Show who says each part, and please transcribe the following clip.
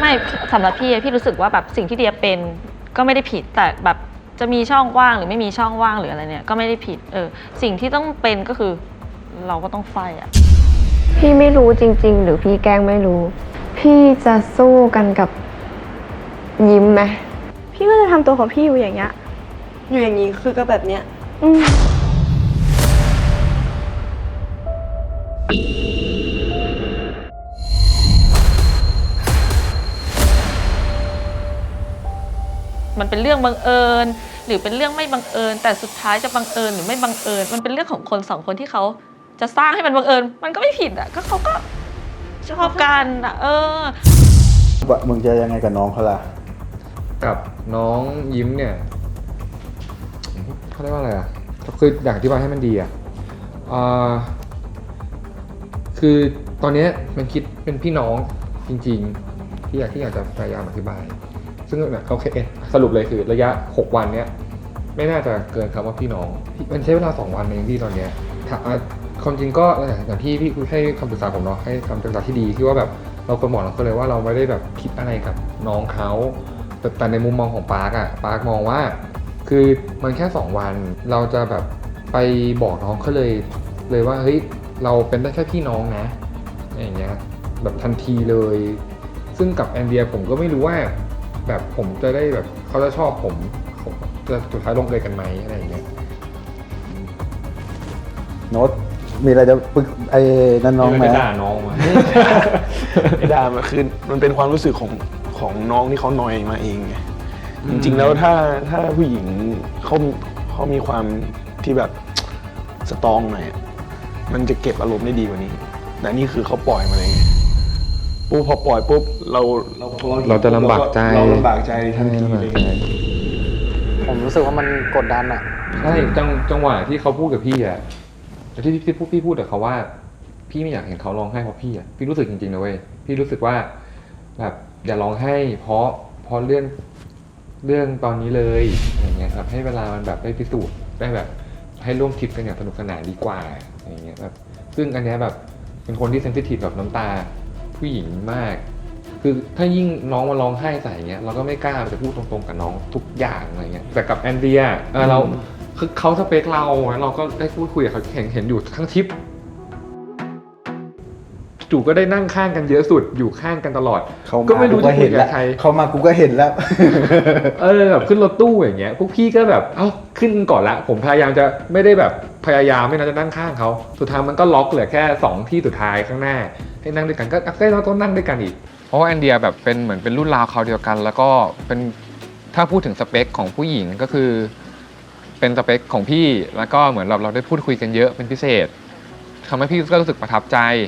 Speaker 1: ไม่สำหรับพี่รู้สึกว่าแบบสิ่งที่เดียเป็นก็ไม่ได้ผิดแต่แบบจะมีช่องว่างหรือไม่มีช่องว่างหรืออะไรเนี่ยก็ไม่ได้ผิดสิ่งที่ต้องเป็นก็คือเราก็ต้องไฟอ่ะ
Speaker 2: พี่ไม่รู้จริงๆหรือพี่แกล้งไม่รู้พี่จะสู้กันกับยิ้มไหม
Speaker 3: พี่ก็จะทำตัวของพี่อยู่อย่างเงี้ย
Speaker 4: อยู่อย่างนี้คือก็แบบเนี้ย
Speaker 1: มันเป็นเรื่องบังเอิญหรือเป็นเรื่องไม่บังเอิญแต่สุดท้ายจะบังเอิญหรือไม่บังเอิญมันเป็นเรื่องของคนสองคนที่เขาจะสร้างให้มันบังเอิญมันก็ไม่ผิดอ่ะก็เขาก็ชอบกันอ่ะ
Speaker 5: มึงจะยังไงกับน้องเขาล่ะ
Speaker 6: กับน้องยิ้มเนี่ยเขาเรียกว่าอะไรอ่ะคืออยากอธิบายให้มันดีอ่ะคือตอนนี้มันคิดเป็นพี่น้องจริงๆที่อยากจะพยายามอธิบายซึ่งโอเคสรุปเลยคือระยะ6วันเนี้ยไม่น่าจะเกินคำว่าพี่น้องมันใช้เวลา2วันเองที่ตอนเนี้ยความจริงก็อย่างที่พี่ให้คำปรึกษาผมเนาะให้คำปรึกษาที่ดีที่ว่าแบบเราควรบอกเราก็เลยว่าเราไม่ได้แบบคิดอะไรกับน้องเขาแต่ในมุมมองของปาร์คอะปาร์คมองว่าคือมันแค่2วันเราจะแบบไปบอกน้องเขาเลยว่าเฮ้ยเราเป็นได้แค่พี่น้องนะอย่างเงี้ยแบบทันทีเลยซึ่งกับแอนเดียผมก็ไม่รู้ว่าแบบผมจะได้แบบเขาจะชอบผมจะสุดท้ายลงเอยกันไหมอะไรอย่างเงี้ย
Speaker 5: โน้ตมีอะไรจะปรึกไอ้นั่นน้องไหม
Speaker 6: ด่าน้องมา
Speaker 7: ไม่ด่ามันคือมันเป็นความรู้สึกของน้องที่เขานอยมาเองไงจริงๆแล้วถ้าผู้หญิงเขามีความที่แบบสตรองหน่อยมันจะเก็บอารมณ์ได้ดีกว่านี้แต่นี่คือเขาปล่อยมาเลยไงปุ๊บพอปล่อยปุ๊บเรา
Speaker 6: จะลำบากใจ
Speaker 7: ทันทีเลย
Speaker 8: ผมรู้สึกว่ามันกดดันอ่ะ
Speaker 6: ใช่จังหวะที่เขาพูดกับพี่อ่ะที่พี่พูดกับเขาว่าพี่ไม่อยากเห็นเขาร้องไห้เพราะพี่อ่ะพี่รู้สึกจริงๆนะเว้ยพี่รู้สึกว่าแบบอย่าร้องไห้เพราะเรื่องตอนนี้เลยอย่างเงี้ยครับให้เวลามันแบบได้พิสูจน์ได้แบบให้ร่วมทริปกันอย่างสนุกสนานดีกว่าอย่างเงี้ยแบบซึ่งอันเนี้ยแบบเป็นคนที่เซนซิทีฟกับน้ำตาผู้หญิงมากคือถ้ายิ่งน้องมาร้องไห้ใส่เงี้ยเราก็ไม่กล้าจะพูดตรงๆกับน้องทุกอย่างอะไรเงี้ยแต่กับแอนเดียเราคือเขาสเปคเราก็ได้พูดคุยกับเขาเห็นอยู่ทั้งทริปจู่ก็ได้นั่งข้างกันเยอะสุดอยู่ข้างกันตลอดก็ไม่รู้จะคุยกับใคร
Speaker 5: เขามากูก็เห็นแล้ว
Speaker 6: แบบขึ้นรถตู้อย่างเงี้ยพวกพี่ก็แบบขึ้นก่อนละผมพยายามจะไม่ได้แบบพยายามไม่น่าจะนั่งข้างเขาสุดท้ายมันก็ล็อกเหลือแค่2ที่สุดท้ายข้างหน้าให้นั่งด้วยกันก็เราต้องนั่งด้วยกันอีกเพราะว่าแอนเดียแบบเป็นเหมือนเป็นรุ่นราวเขาเดียวกันแล้วก็เป็นถ้าพูดถึงสเปคของผู้หญิงก็คือเป็นสเปคของพี่แล้วก็เหมือนเราได้พูดคุยกันเยอะเป็นพิเศษทำให้พี่ก็รู้สึกประทับใจ